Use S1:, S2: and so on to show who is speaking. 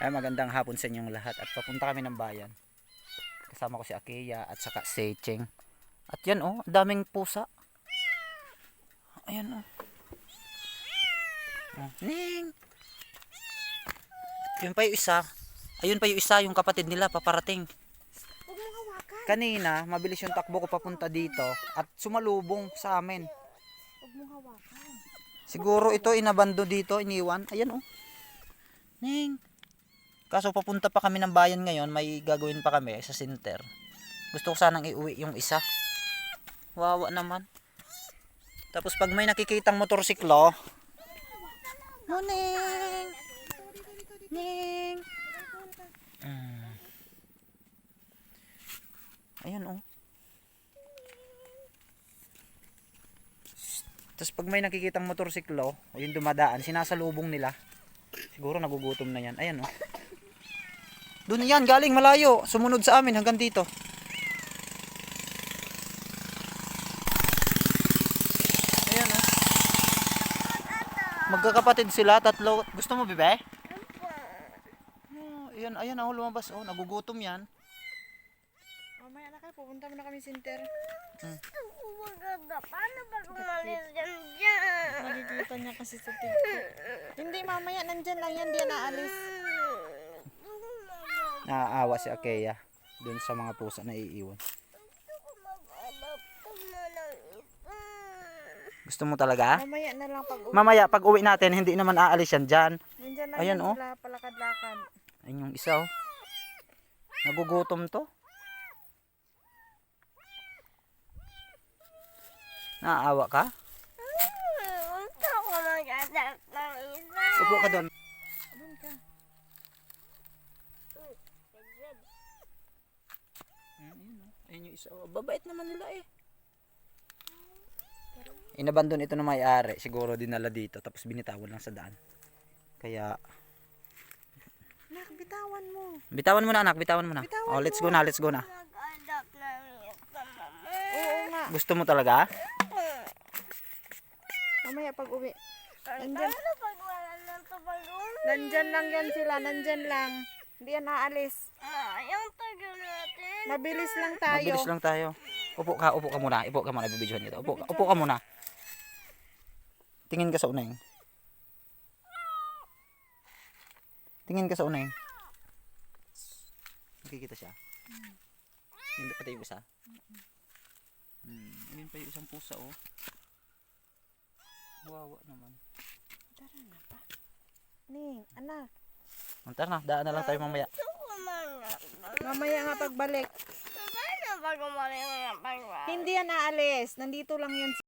S1: Ay, magandang hapon sa inyong lahat at papunta kami ng bayan. Kasama ko si Akeya at saka si Cheng. At yan oh, daming pusa. Ayan oh. Oh, Ning! Yun pa yung isa. Ayun pa yung isa, yung kapatid nila paparating.
S2: Huwag mong hawakan.
S1: Kanina, mabilis yung takbo ko papunta dito at sumalubong sa amin.
S2: Huwag mong hawakan.
S1: Siguro ito inabando dito, iniwan. Ayan oh. Ning! Kaso papunta pa kami ng bayan ngayon, may gagawin pa kami sa center. Gusto ko sanang iuwi yung isa. Wawa naman. Tapos pag may nakikitang motorsiklo, Ning! Ning! Ayan oh. Tapos pag may nakikitang motorsiklo, o yung dumadaan, sinasalubong nila. Siguro nagugutom na yan. Ayan oh. Doon yan, galing malayo. Sumunod sa amin hanggang dito. Ayan oh. Magkakapatid sila, tatlo. Gusto mo, bebe? Oh, ayan, ayan oh, lumabas oh. Nagugutom yan.
S2: Mamaya na kayo, pupunta mo na kami center.
S3: Maganda. Paano ba umalis yan dyan?
S2: Nakikita niya kasi sa TikTok. Hindi, mamaya nandyan lang yan, di yan naalis.
S1: Naaawa si Akeya doon sa mga pusa na iiwan.
S3: Gusto ko mag-adapt ng isa.
S1: Gusto mo talaga?
S2: Mamaya na lang pag uwi.
S1: Mamaya, pag uwi natin, hindi naman aalis yan dyan.
S2: Nandyan lang
S1: Ayan,
S2: yan
S1: oh.
S2: sila, palakad-lakad.
S1: Ayun yung isa oh. Nagugutom to. Naaawa ka?
S3: Gusto ko mag-adapt ng isa.
S1: Upo ka doon.
S2: Doon ka.
S1: Ayun yung isa. Oh, babait naman nila eh. Inabandon ito ng may-ari. Siguro dinala dito. Tapos binitawan lang sa daan. Kaya,
S2: Nak, bitawan mo.
S1: bitawan mo na anak. Bitawan mo na.
S2: Bitawan
S1: Oh, let's
S2: mo.
S1: go na. Let's go na.
S3: Mag-adapt ng isa, mama.
S2: Oo nga.
S1: Gusto mo talaga?
S2: Mamaya pag uwi. Nandyan,
S3: Paano pag wala ng tumalong?
S2: nandyan lang yan sila, nandyan lang. Hindi yan naalis.
S3: Yung tagal natin.
S2: Mabilis lang tayo.
S1: Mabilis lang tayo. Upo ka muna. Upo ka muna. Bibidyohan kita. Upo ka muna. Tingin ka sa uneng. Tingin ka sa uneng. Nakikita siya. Hindi pati yung isa. Ayun pa yung isang pusa oh. Wawa naman.
S2: Tara na pa. Ning, anak.
S1: Tara na. Daan na lang tayo mamaya.
S3: Gusto ko mag-adapt.
S2: Mamaya nga pagbalik.
S3: Paano pag umalis ng pagwa?
S2: Hindi yan naalis. Nandito lang yan